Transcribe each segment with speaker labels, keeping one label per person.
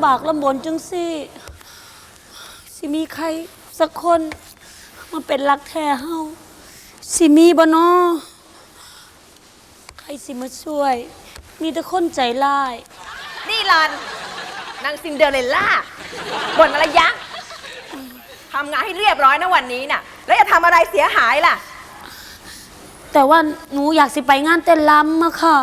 Speaker 1: ำบากลำบนจังสิมีใครสักคนมาเป็นรักแท้เฮาสิมีบ่น้อใครสิมาช่วยมีแต่คนใจร้าย
Speaker 2: นี่หลอนนางซินเดอเรลล่าบ่นอะไรยักษ์ทำงานให้เรียบร้อยนะวันนี้น่ะแล้วจะทำอะไรเสียหายล่ะ
Speaker 1: แต่ว่าหนูอยากสิไปงานเต้นรำอะค่ะ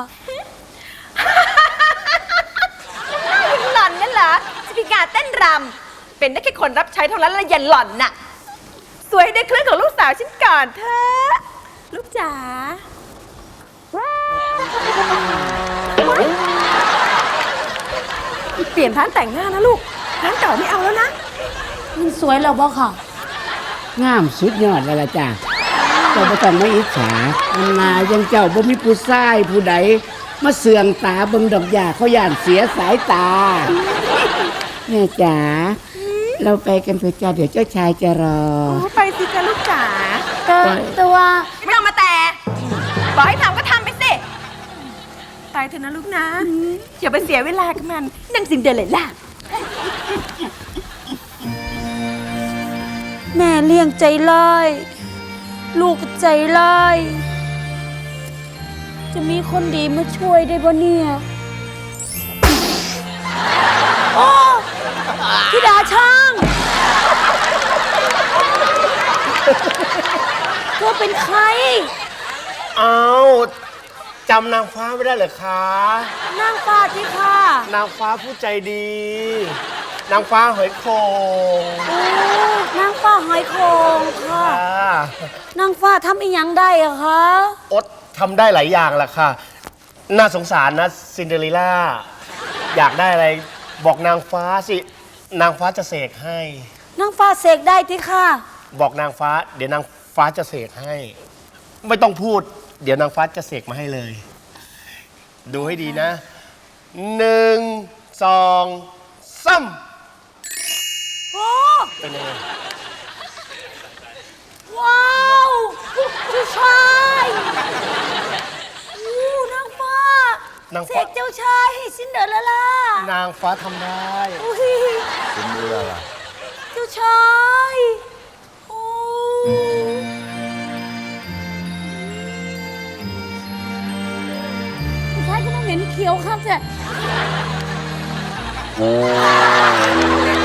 Speaker 2: หล่อนนั่นเหรอจะพิการเต้นรำเป็นได้แค่คนรับใช้เท่านั้นละอย่าหล่อนน่ะสวยให้ได้เครื่องของลูกสาวฉันก่อนเถอะลูกจ๋าเปลี่ยนร้านแต่งหน้านะลูกร้านเก่าไม่เอาแล้วนะ
Speaker 1: มันสวยแล้วบ่ค่ะ
Speaker 3: งามสุดยอดแล้วล่ะจ้ะเจ้าบ่ต้องมาอิจฉาอันนายังเจ้าบ่มีผู้ชายผู้ใดมาเสื่องตาเบิ่งดอกหญ้าเขาย่านเสียสายตาแม่จ๋าเราไปกันเถอะจ้าเดี๋ยวเจ้าชายจะรอ
Speaker 2: ไปสิจ้าลูกจ๋า
Speaker 1: แต่ว่า
Speaker 2: ไม่ต้องมาแต่บอกให้ทำก็ทำไปสิไปเถอะนะลูกนะอย่าไปเสียเวลากับมันนางซินเดอเรลล่า
Speaker 1: แม่เลี้ยงใจร้ายลูกใจร้ายจะมีคนดีมาช่วยได้บ่เนี่ยโอ้ธิดาช่างเธอเป็นใคร
Speaker 4: เอาจำนางฟ้าไม่ได้เหรอคะ
Speaker 1: นางฟ้าที่ค่ะ
Speaker 4: นางฟ้าผู้ใจดี นางฟ้าหอยโขง
Speaker 1: นางฟ้าหอยโขงค่ะนางฟ้าทำอีหยังได้อะคะ
Speaker 4: อดทำได้หลายอย่างแหละค่ะน่าสงสารนะซินเดอเรลล่าอยากได้อะไรบอกนางฟ้าสินางฟ้าจะเสกให้
Speaker 1: นางฟ้าเสกได้ที่ค่ะ
Speaker 4: บอกนางฟ้าเดี๋ยวนางฟ้าจะเสกให้ไม่ต้องพูดเดี๋ยวนางฟ้าจะเสกมาให้เลยดูให้ดีนะ1 2 3
Speaker 1: โอ้
Speaker 4: เป็นยังไง
Speaker 1: ว้าวผู้ชายนางฟ้าเสกเจ้าชายให้ซินเดอเรลล่าน
Speaker 4: างฟ้าทำได้
Speaker 5: ซินเดอเรลล่า
Speaker 1: เจ้าชายโอ้ผู้ชายก็มาเหม็นเขียวครับจ้ะ